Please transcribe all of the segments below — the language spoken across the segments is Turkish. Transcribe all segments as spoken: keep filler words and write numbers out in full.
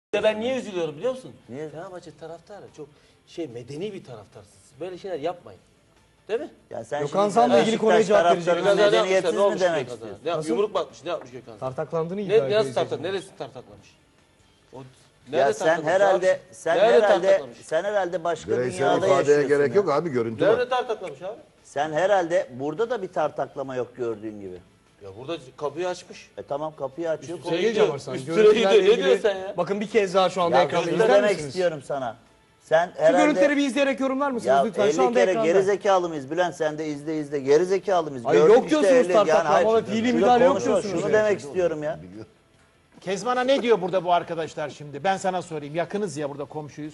Ben niye üzülüyorum biliyor musun? Niye? Fenerbahçe taraftarı çok şey medeni bir taraftarsınız. Böyle şeyler yapmayın. Değil mi? Ya sen Gökhan şimdi Zan'la ilgili konuya cevap taraftarına vereceğim. Gökhan Zan medeniyetsiz ne olmuş mi demek Gökhan Zan? istiyorsun? Ne yapmış? Yumruk mu atmış? Ne yapmış Gökhan Zan? Tartaklandığını iddia Ne, ediyor. nasıl tartak? Neresi tartaklamış? O, Ya sen tartaklamış herhalde abi? sen Nerede herhalde tartaklamış? sen herhalde başka Bireysel dünyada ifadeye yaşıyorsun. gerek ya. yok abi, görüntü var. Nerede tartaklamış abi? Sen herhalde burada da bir tartaklama yok gördüğün gibi. Ya burada kapıyı açmış. E tamam kapıyı açıyor. Üstüne Sevgili gidiyor. Camarsan, Üstüne görüntülerle gidiyor. Ne ilgili- diyorsun sen ya? Bakın bir kez daha şu anda Ya ekranda şunu izler demek misiniz? istiyorum sana. Sen Şu herhalde görüntüleri bir izleyerek yorumlar mısınız ya lütfen? Şu elli anda kere ekranda. gerizekalı mıyız Bülent, sen de izle izle gerizekalı mıyız? Hayır, Gördük yok işte diyorsunuz elli, tartaklama hayır, ve fiili şurada müdahale yok konuşma, diyorsunuz Şunu yani. demek istiyorum ya. Kezban'a ne diyor burada bu arkadaşlar şimdi? Ben sana sorayım. Yakınız ya, burada komşuyuz.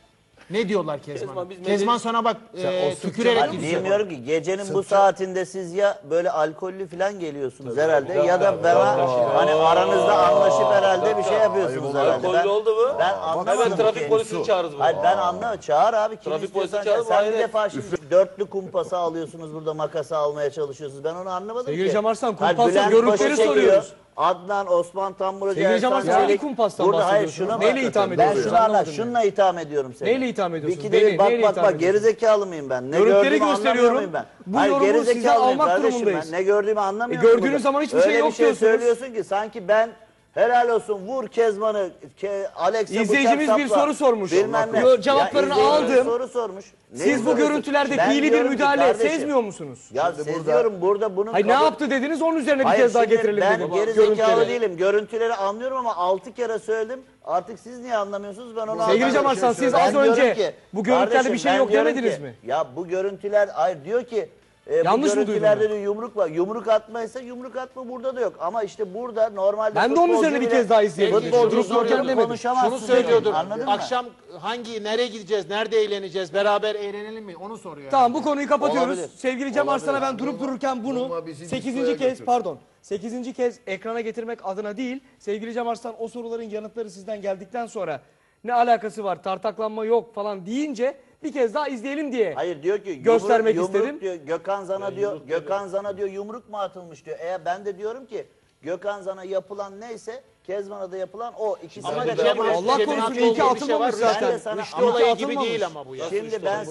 Ne diyorlar Kezban'a? Kezban, biz Kezban medeni- sana bak e, o tükürerek Hani gidiyor. bilmiyorum ki gecenin bu saatinde siz ya böyle alkollü falan geliyorsunuz herhalde ya da bana hani aranızda anlaşıp herhalde bir şey yapıyorsunuz herhalde. Alkollü oldu mu? Ben Hemen anlamadım trafik ki. polisini çağırırız Hayır buraya. ben anlamadım. Çağır abi kim Trafik istiyorsan polisi çağır, çağır. Sen bir aynen. defa şimdi dörtlü kumpası alıyorsunuz burada, makası almaya çalışıyorsunuz. Ben onu anlamadım Sevgili ki. Cem Arslan, Hayır, kumpasla Bülent görüntüleri Paşa çekiyor, soruyoruz. Adnan, Osman Tamburacı, Sevgili Cem Ersan Arslan, hangi Çelik. kumpastan Burada hayır bahsediyorsunuz? şuna Neyle bak. itham Ben ediyorsunuz? şunu anla, Anlamadım şununla itham ediyorum seni. Neyle itham ediyorsunuz? Bir kere Beni, bak neyle bak itham bak ediyorsunuz? gerizekalı mıyım ben? Ne Görüntüleri gördüğümü anlamıyor gösteriyorum. muyum ben? Bu Hayır yorumu sizden gerizekalı mıyım almak kardeşim durumundayız. ben? Ne gördüğümü anlamıyor E, musun gördüğünüz burada? zaman hiçbir Öyle şey yok bir şey diyorsunuz. söylüyorsun ki sanki ben helal olsun vur Kezban'ı, ke, Alex'e İzleyicimiz bıçak bir sapla, soru sormuş. Bilmem ne. Yo, cevaplarını Ya izleyicimiz aldım. soru sormuş. Siz Neyi bu soruyorsun? görüntülerde Ben fiili bir diyorum ki müdahale kardeşim, sezmiyor musunuz? Ya seziyorum burada bunun... Hayır ne kabul- yaptı dediniz, onun üzerine bir Hayır, kez daha şimdi getirelim ben dedim. gerizekalı Görüntüleri. değilim. Görüntüleri anlıyorum ama altı kere söyledim. Artık siz niye anlamıyorsunuz ben onu anlamıyorum. Sevgili Cem Arslan, siz Ben az diyorum önce ki, bu görüntülerde kardeşim, bir şey ben yok diyorum demediniz ki, mi? Ya bu görüntüler hayır diyor ki e, Yanlış bu mı görüntülerde duydum diyor yumruk var. Yumruk atmaysa yumruk atma burada da yok. Ama işte burada normalde Ben de onun üzerine bir futbolcu kez daha bile- izleyelim. Futbolcu Durup dururken bile demedim. konuşamazsın Şunu diyor. söylüyordur. Anladın mı? Akşam hangi, nereye gideceğiz, nerede eğleneceğiz, beraber eğlenelim mi? Onu soruyor. Tamam, bu konuyu kapatıyoruz. Olabilir. Sevgili Cem Olabilir. Arslan'a ben durup dururken bunu Durma, bizi sekizinci diskoya kez götür. pardon sekizinci kez ekrana getirmek adına değil, sevgili Cem Arslan o soruların yanıtları sizden geldikten sonra ne alakası var, tartaklanma yok falan deyince bir kez daha izleyelim diye. Hayır diyor ki yumruk, Göstermek yumruk istedim. diyor Gökhan Zan'a diyor Gökhan Zan'a diyor yumruk mu atılmış diyor. Eğer ben de diyorum ki Gökhan Zan'a yapılan neyse Kezban'a da yapılan o. İkisi Ama de Cem beraber- Allah Cem'in korusun, haklı iyi ki olduğu bir şey atılmamış var. zaten. Ben de sana- Rüştü Ama olayı gibi atılmamış. değil ama bu ya. Şimdi ben